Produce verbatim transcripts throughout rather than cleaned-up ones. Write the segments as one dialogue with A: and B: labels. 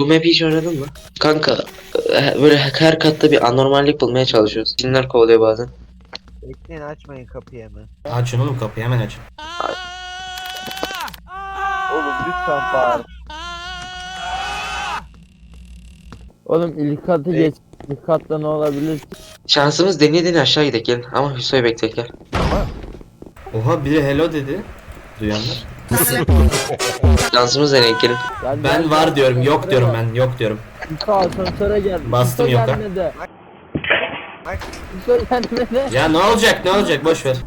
A: Bu map'i hiç oynadın mı? Kanka e, böyle her katta bir anormallik bulmaya çalışıyoruz. Cinler kovalıyor bazen.
B: Bekleyin, açmayın kapıyı hemen.
C: Açın oğlum kapıyı, hemen açın.
B: Oğlum lütfen bağır.
D: Oğlum ilk katı
B: Ey.
D: geç. İlk katta ne olabilir?
A: Şansımız deneye deneye aşağı gidelim gelin. Ama Hüso'yu bekleyelim gel.
C: Oha, biri hello dedi. Duyanlar.
A: Şansımız deneye gelin.
D: Gel,
C: Ben
D: gel,
C: var
D: gel.
C: diyorum, yok diyorum ben, yok diyorum.
D: Hüso asansöre gel.
C: Bastım
D: Hüso
C: yoka.
D: gelmedi.
B: Bak.
D: Hüso gelmedi.
C: Ya ne olacak, ne olacak, boş ver.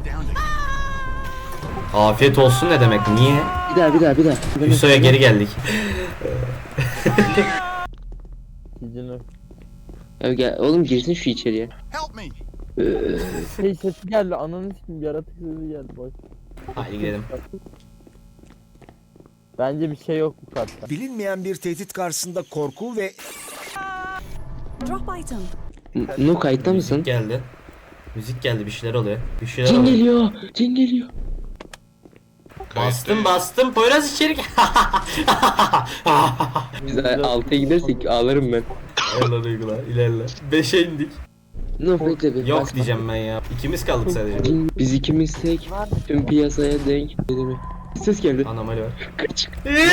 C: Afiyet olsun ne demek, niye?
A: Bir daha bir daha bir daha.
C: Hüso'ya geri geldik.
D: Cicino.
A: Ya gel, oğlum girsin şu içeriye.
D: Şey sesi geldi. Ananı sikim yaratık sesi geldi. Boş.
C: Haydi gidelim.
D: Bence bir şey yok bu katta.
E: Bilinmeyen bir tehdit karşısında korku ve
F: Drop item.
A: N- Nu kayıtta mısın?
C: Müzik geldi. Müzik geldi, bir şeyler oluyor. Bir şeyler
A: Cin
C: oluyor.
A: geliyor. Cin geliyor.
C: Bastım bastım, Poyraz içeri gel.
A: Biz altıya gidersek ağlarım ben.
C: İlerle duygular, ilerle. Beşe indik.
A: Nu bekle bir.
C: Yok
A: basma.
C: diyeceğim ben ya. İkimiz kaldık sadece.
A: Cin, biz ikimiz tek. Tüm piyasaya denk. Dedi ses geldi.
C: Anomali var.
A: Kaç.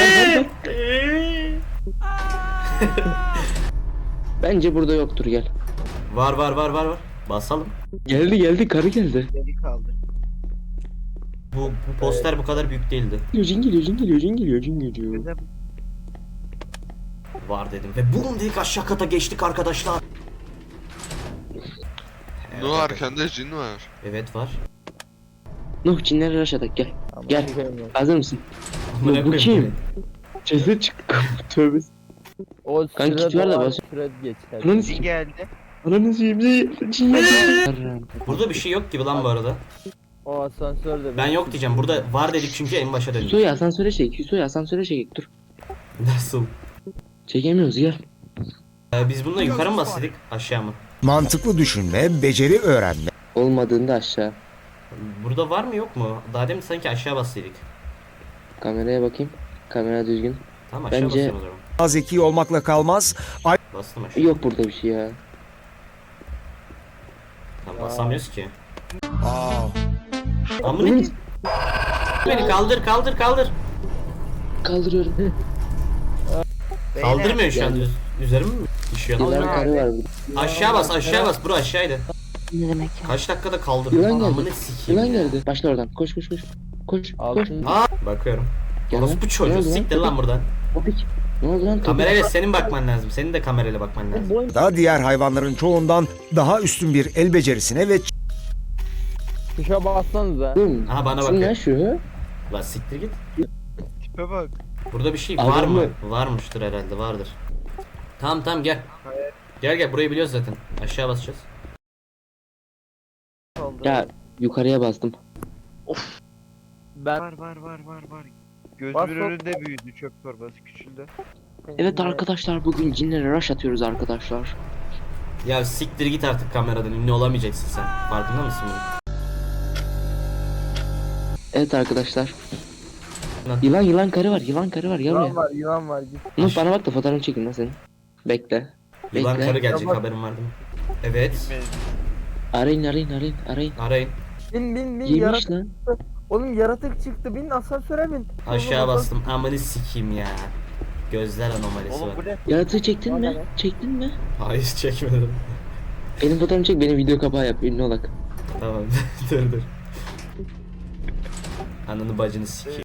A: Bence burada yoktur gel.
C: Var var var var var. Basalım.
A: Geldi geldi karı geldi.
B: Geri kaldı.
C: Bu, bu poster bu kadar büyük değildi.
A: Cin geliyor cin geliyor cin geliyor cin geliyor.
B: Bize
C: Var dedim. Ve bum dedik, aşağı kata geçtik arkadaşlar.
G: No, arkanda cin var.
C: Evet var.
A: Nuh cinleri aşağıda gel.
D: Ama
A: Gel.
D: bilmiyorum.
A: Hazır mısın?
C: Amına
A: Bu
C: koyayım.
A: kim? Ceset çıktı. Tövbe.
D: O
A: Kanka,
D: sırada
A: kit var da
D: var,
A: bas.
D: süre geçer.
A: Ananı
B: cin
A: sikeyim.
B: geldi.
A: Ananı sikeyim. Cin cin geldi.
C: Burada bir şey yok gibi lan bu arada.
D: O asansörde.
C: Ben yok diyeceğim. Burada var dedik çünkü en başa döndük.
A: Hüso'yu asansöre çek. Hüso'yu asansöre çek. Dur.
C: Nasıl?
A: Çekemiyoruz gel.
C: Ee, biz bununla yukarı mı bastık, aşağı mı?
E: mantıklı düşünme, beceri öğrenme.
A: Olmadığında aşağı.
C: Burada var mı yok mu? Daha demin sanki aşağı bastıydık.
A: Kameraya bakayım. Kamera düzgün.
C: Tamam, aşağı
A: Bence-
C: basıyorum o zaman.
E: Az zeki olmakla kalmaz,
C: Bastım aşağı.
A: Yok burada bir şey ya.
C: Tamam, basamıyoruz ki.
E: Aa,
C: Amına ki- Beni kaldır kaldır kaldır.
A: Kaldırıyorum.
B: Beyler,
C: Kaldırmıyor şu an.
A: geldi.
C: Üz- Üzerim mi düşüyor?
A: Yılan karı var burada.
C: Aşağı bas aşağı bas bro, aşağıydı.
F: Ne demek ya?
C: Kaç dakikada kaldır?
A: Yılan geldi.
C: Amına sikeyim.
A: Yılan geldi. Başla oradan. Koş koş koş. Koş koş.
D: Altın.
C: Aa, bakıyorum.
A: Gel
C: Orası
A: lan.
C: bu
A: Ne
C: çocuğu,
A: oldu lan?
C: siktir lan buradan.
A: Topik. Ne oldu lan? Topik.
C: Kamerayla senin bakman lazım. Senin de kamerayla bakman lazım.
E: da diğer hayvanların çoğundan daha üstün bir el becerisine ve
D: Tuşa bassanıza.
A: Oğlum,
C: Aha, bana
A: kim
C: bakıyor.
A: lan şu?
C: Lan siktir git.
B: Tipe bak.
C: Burada bir şey
A: Adam
C: var mı?
A: mı?
C: Varmıştır herhalde, vardır. Tamam tamam gel. Gel gel, burayı biliyoruz zaten. Aşağı basacağız.
B: Oldu.
A: Ya yukarıya bastım.
D: Ben
B: Var var var var var. Gözümün
D: Bas, bas.
B: önünde büyüdü, çöp torbası küçüldü.
A: Evet arkadaşlar bugün cinlere rush atıyoruz arkadaşlar.
C: Ya siktir git artık kameradan, ünlü olamayacaksın sen. Farkında mısın bunun?
A: Evet arkadaşlar.
C: Lan.
A: Yılan yılan karı var yılan karı var gel
D: yılan
A: buraya.
D: var yılan var git.
A: Nuh bana bak da fotoğrafını çekin lan senin. Bekle.
C: Yılan
A: Bekle.
C: karı gelecek,
D: Tamam.
C: haberin var değil mi? Evet.
B: Bilmeyiz.
A: Arayın arayın arayın arayın.
C: Arayın.
D: Bin bin bin
A: Yemiş
D: yaratık.
A: lan.
D: Oğlum yaratık çıktı bin asansöre bin.
C: Aşağı
D: Oğlum,
C: bastım. Amanı sikeyim ya. Gözler anomalisi
B: Oğlum
C: var.
B: bu ne?
A: Yaratığı çektin
D: Bana
A: mi?
D: ne?
A: Çektin mi?
C: Hayır, çekmedim.
A: Benim fotoğrafımı çek benim video kapağı yap ünlü olak.
C: Tamam dur dur. Ananı bacını sikeyim.